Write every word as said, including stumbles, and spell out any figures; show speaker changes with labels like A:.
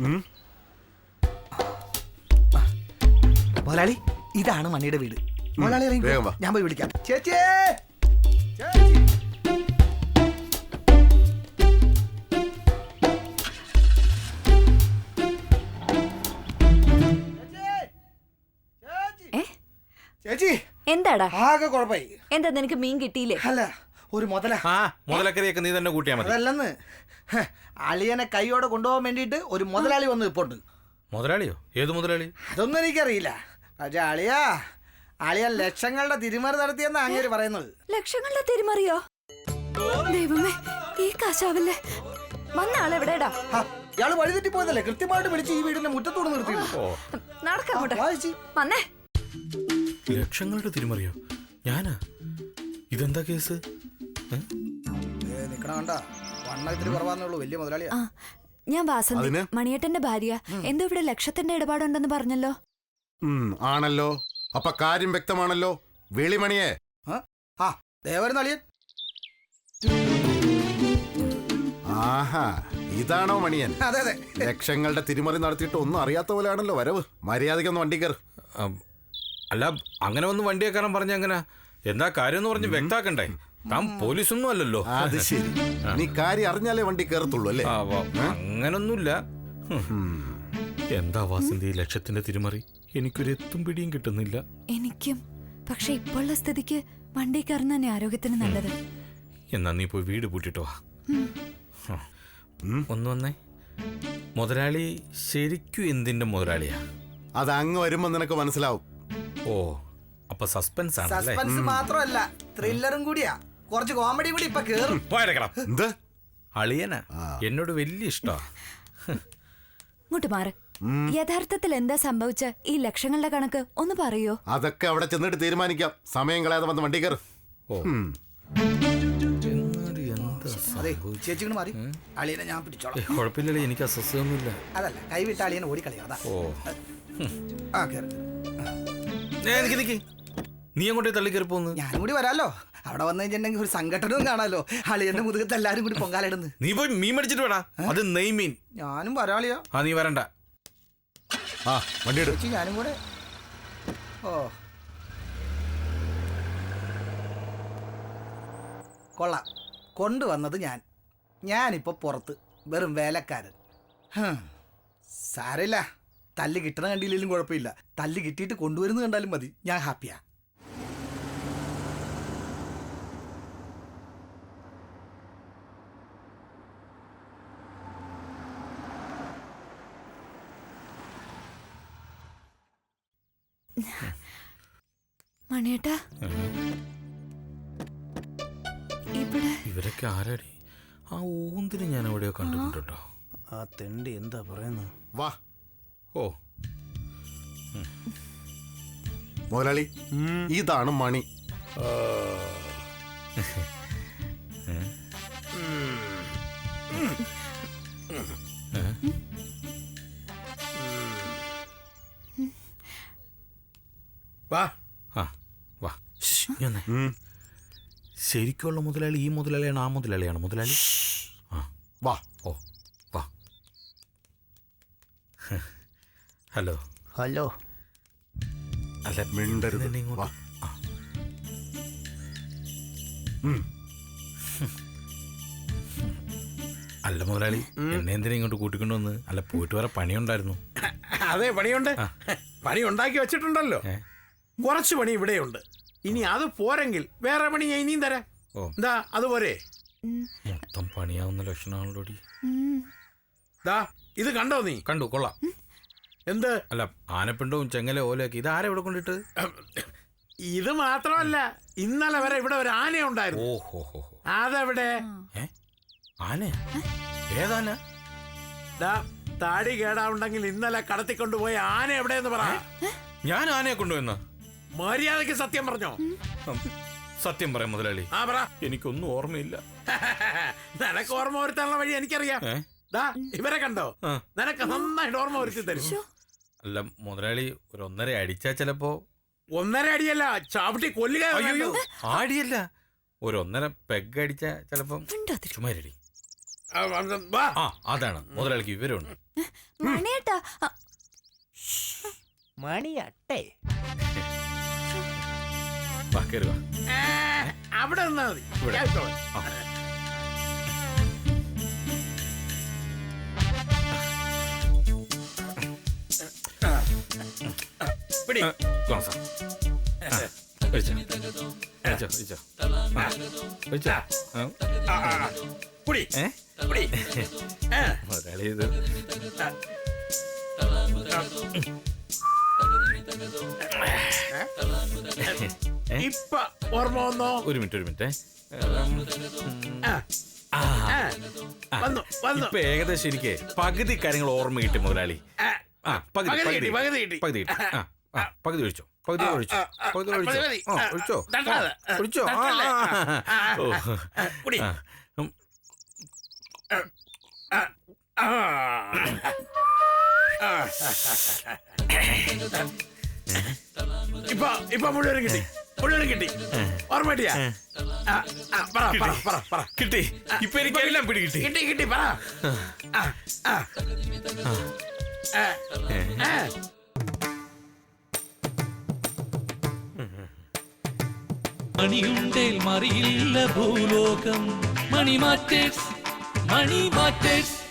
A: മുതലാളി ഇതാണ് മണിയുടെ വീട്. മുതലാളി ഞാൻ പോയി വിളിക്കാം. ചേച്ചി ചേച്ചി
B: എന്താടാ
A: ആകെ കുഴപ്പമായി.
B: എന്താ നിനക്ക് മീൻ കിട്ടിയില്ലേ?
A: അല്ല ഒരു മുതല
C: മുതലക്കറിയൊക്കെ നീ തന്നെ കൂട്ടിയാ മതി.
A: അതല്ലെന്ന് അളിയനെ കൈയോടെ കൊണ്ടുപോകാൻ വേണ്ടിട്ട് ഒരു മുതലാളി വന്ന് ഇപ്പോണ്ട്.
C: മുതലാളിയോ? ഏത് മുതലാളി?
A: അതൊന്നും എനിക്കറിയില്ല. പക്ഷെ അളിയാ അളിയൻ ലക്ഷങ്ങളുടെ തിരിമറി നടത്തിയെന്ന് അങ്ങേര് പറയുന്നത്.
B: ലക്ഷങ്ങളുടെ തിരിമറിയോ? ദൈവമേ, ഈ കാശാവല്ലേ. വന്ന ആളെവിടെടാ?
A: ഇയാള് വഴി തെറ്റി പോയതല്ലേ? കൃത്യമായിട്ട് വിളിച്ച് ഈ വീടിന്റെ മുറ്റത്തോട് നിർത്തി.
B: നടക്കാങ്ങോട്ടെ വന്നേ.
C: ലക്ഷങ്ങളുടെ തിരിമറിയോ? ഞാനാ? ഇതെന്താ കേസ്?
A: നിക്കണ കണ്ട വണ്ണത്തിന് കുറവാന്നുള്ളൂ. വലിയ മുതലാളിയാ.
B: ഞാൻ വാസന്തി, മണിയേട്ടന്റെ ഭാര്യ. എന്തോ ഇവിടെ ലക്ഷത്തിന്റെ ഇടപാടുണ്ടെന്ന് പറഞ്ഞല്ലോ.
D: ആണല്ലോ. അപ്പൊ കാര്യം വ്യക്തമാണല്ലോ. വെളിമണിയെ
A: ആ ദേവരുന്ന അളിയൻ.
D: ആഹാ, ഇതാണോ മണിയൻ?
A: അതെ അതെ.
D: ലക്ഷങ്ങളുടെ തിരിമറി നടത്തിയിട്ട് ഒന്നും അറിയാത്ത പോലെയാണല്ലോ വരവ്. മര്യാദയ്ക്കൊന്ന് വണ്ടി കയറ്.
C: അല്ല, അങ്ങനെ ഒന്ന് വണ്ടി വെക്കാനും പറഞ്ഞ എങ്ങനെ? എന്താ കാര്യം എന്ന് പറഞ്ഞ് വ്യക്താക്കണ്ടേ? താൻ പോലീസൊന്നും അല്ലല്ലോ.
D: അത് ശരി. നീ കാര്യം അറിഞ്ഞാലേ വണ്ടി കയറത്തുള്ളൂ അല്ലേ?
C: അങ്ങനൊന്നുമില്ല. എന്താ വാസന്തി ലക്ഷത്തിന്റെ തിരിമറി? എനിക്കൊരു എത്തും പിടിയും കിട്ടുന്നില്ല.
B: എനിക്കും. പക്ഷെ ഇപ്പോഴുള്ള സ്ഥിതിക്ക് വണ്ടി കയറുന്ന തന്നെ ആരോഗ്യത്തിന് നല്ലത്.
C: എന്നാ നീ പോയി വീട് പൂട്ടിട്ടോ. ഒന്ന് വന്നേ. മുതലാളി ശരിക്കും എന്തിന്റെ മുതലാളിയാ?
D: അത് അങ്ങ് വരുമ്പോ നിനക്ക് മനസ്സിലാവും.
C: ഓ, അപ്പൊ സസ്പെൻസ് ആണ്.
A: സസ്പെൻസ് മാത്രമല്ല, ത്രില്ലറും കൂടിയാ. കുറച്ച് കോമഡി കൂടി ഇപ്പൊ കേറും.
D: എന്ത്
C: അളിയനാ? എന്നോട് വലിയ ഇഷ്ടാ.
B: ഇങ്ങോട്ട് മാറ്. യഥാർത്ഥത്തിൽ എന്താ സംഭവിച്ച ഈ ലക്ഷങ്ങളുടെ കണക്ക് ഒന്ന് പറയോ?
D: അതൊക്കെ അവിടെ ചെന്നിട്ട് തീരുമാനിക്കാം. സമയം കളയാതെ വന്ന് വണ്ടി കയറ്.
A: ചേച്ചിങ്ങനെ മാറി. അളിയനെ ഞാൻ പിടിച്ചോളാം.
C: കുഴപ്പമില്ലല്ലേ, എനിക്ക് അസ്വസ്ഥയൊന്നുമില്ല.
A: അതല്ല, കൈവിട്ട അളിയനെ ഓടിക്കളയാ. അതാ.
C: ഓ,
A: ആ കേറി.
C: നീ അങ്ങോട്ടേ തള്ളിക്കറി പോന്ന്.
A: ഞാനും കൂടി വരാലോ. അവിടെ വന്നു കഴിഞ്ഞിട്ടുണ്ടെങ്കിൽ ഒരു സംഘടനവും കാണാലോ. അളിയന്റെ മുതുകത്ത് എല്ലാരും കൂടി പൊങ്കാലിടുന്നു.
C: നീ പോയി മീൻ മേടിച്ചിട്ട് വേടാ. അത് നെയ്മീൻ.
A: ഞാനും വരാളിയോ.
C: ആ, നീ വരണ്ട.
D: ആ വണ്ടി എടുത്ത്
A: ഞാനും കൂടെ. ഓ കൊള്ളാം. കൊണ്ടുവന്നത് ഞാൻ. ഞാനിപ്പോ പുറത്ത് വെറും വേലക്കാരൻ. സാരമില്ല, തല്ല് കിട്ടണ കണ്ടില്ലെങ്കിലും കുഴപ്പമില്ല. തല്ല് കിട്ടിയിട്ട് കൊണ്ടുവരുന്നത് കണ്ടാലും മതി. ഞാൻ ഹാപ്പിയാ.
B: മണിയേട്ടാ, ഇവിടെ
C: ഇവരൊക്കെ ആരാടി? ആ ഊന്തിന് ഞാൻ എവിടെയോ കണ്ടിട്ടുണ്ടോ?
A: ആ തെണ്ടി എന്താ പറയുന്നത്?
D: വാ.
C: ഓ
D: മുതലാളി, ഇതാണ് മണി.
C: വാ. ആ വാ. ശരിക്കുള്ള മുതലാളി ഈ മുതലാളിയാണ്? ആ മുതലാളിയാണ് മുതലാളി? ആ
D: വാ.
C: ഓ വാ. ഹലോ.
A: ഹലോ.
C: അല്ല,
D: മിണ്ടരുത്.
C: ഇങ്ങോട്ട്. അല്ല മുതലാളി, എന്നെ എന്തിനാ ഇങ്ങോട്ട് കൂട്ടിക്കൊണ്ടുവന്ന്? അല്ല, പോയിട്ട് വരെ പണിയുണ്ടായിരുന്നു.
E: അതെ, പണിയുണ്ട്. പണി ഉണ്ടാക്കി വെച്ചിട്ടുണ്ടല്ലോ. കുറച്ച് പണി ഇവിടെയുണ്ട്. ഇനി അത് പോരെങ്കിൽ വേറെ പണി ഞാൻ ഇനിയും തരാം. എന്താ അതുപോലെ?
C: മൊത്തം പണിയാവുന്ന ലക്ഷണമാണല്ലോ.
E: ദാ ഇത് കണ്ടോ നീ?
C: കണ്ടു, കൊള്ളാം.
E: എന്ത്?
C: അല്ല, ആനപ്പിണ്ടവും ചെങ്ങല ഓലയൊക്കെ ഇത് ആരെ ഇവിടെ കൊണ്ടിട്ട്?
E: ഇത് മാത്രമല്ല, ഇന്നലെ വരെ ഇവിടെ ഒരു ആന ഉണ്ടായിരുന്നു.
C: ഓഹോ ഹോ.
E: അതെവിടെ?
C: ആന? ഏതാന?
E: താടി കേടാവുണ്ടെങ്കിൽ ഇന്നലെ കടത്തിക്കൊണ്ടുപോയ ആന എവിടെയെന്ന് പറ.
C: ഞാൻ ആനയെ കൊണ്ടുവന്ന?
E: മര്യാദക്ക് സത്യം പറഞ്ഞോ?
C: സത്യം പറയാം മുതലാളി.
E: ആ പറ.
C: എനിക്കൊന്നും ഓർമ്മയില്ല.
E: നിനക്ക് ഓർമ്മ വരുത്താനുള്ള വഴി എനിക്കറിയാം. ഇവരെ കണ്ടോ? നിനക്ക് നന്നായിട്ട് ഓർമ്മ വരുത്തി തരും.
C: അല്ല മുതലാളി, ഒരു ഒന്നര അടിച്ചാ ചിലപ്പോ.
E: ഒന്നര അടിയല്ല, ചാവട്ടി കൊല്ലുക.
C: ആടിയല്ല, ഒരു ഒന്നര പെഗ് അടിച്ചാ ചിലപ്പം. ചുമ്മാരടി.
E: ആ, വാ.
C: ആ അതാണ് മുതലാളിക്ക് വിവരമുണ്ട്.
B: മണിയേട്ടാ ആ,
A: മണിയട്ടെ.
C: വാ കയറി വാ.
E: ആ, അവിടെ നിന്നാ മതി.
C: ഇവിടെ.
E: ഞാൻ ഇട്ടോളാം.
C: ആ.
E: പിടി.
C: ആ, ഗ്ലാസ്. ആ, കഴിച്ചോ. കഴിച്ചോ, കഴിച്ചോ. ആ, കഴിച്ചോ. ആ,
E: ആ, ആ, ആ. പിടി.
C: ഏ?
E: പിടി. ആ,
C: മുതലാളി ഇത്
E: ആ.
C: ഏ?
E: ഇപ്പൊ ഓർമ്മ വന്നോ?
C: ഒരു മിനിറ്റ് ഒരു മിനിറ്റ്
E: ആ,
C: ആ,
E: ആ.
C: ആ.
E: വന്നു വന്നു.
C: ഇപ്പൊ ഏകദേശം എനിക്ക് പകുതി കാര്യങ്ങൾ ഓർമ്മ കിട്ടി മുതലാളി.
E: ആ,
C: ആ പകുതി
E: പകുതി
C: പകുതി
E: കിട്ടി, പകുതി കിട്ടി.
C: പകുതി കിട്ടി. ആ ആ പകുതി ഒഴിച്ചോ പകുതി ഒഴിച്ചോ
E: ആ, ആ,
C: പകുതി
E: ആ,
C: ഒഴിച്ചോ
E: മതി, മതി.
C: ആ,
E: ആ,
C: ഒഴിച്ചോ
E: തട്ടാതെ.
C: ആ, ഒഴിച്ചോ ആ,
E: തട്ടല്ലേ?
C: ആ,
E: ആ,
C: ഓ.
E: ആ, കുടി.
C: ആ, ഉം,
E: ആ, ആ. ആ. ഇപ്പൊ ഇപ്പൊ മുഴുവനും കിട്ടി മുഴുവനും കിട്ടി ഓർമ്മ കിട്ടിയാ? ആ, ആ, പറ പറ പറ പറ
C: കിട്ടി ഇപ്പൊ എനിക്ക് എല്ലാം പിടി കിട്ടി.
E: കിട്ടി കിട്ടി പറ. ആ, ആ. ആ, ആ.
F: മണിയുണ്ടേൽ മറിയില്ല ഭൂലോകം മണി മാറ്റേഴ്സ് മണി മാറ്റേഴ്സ്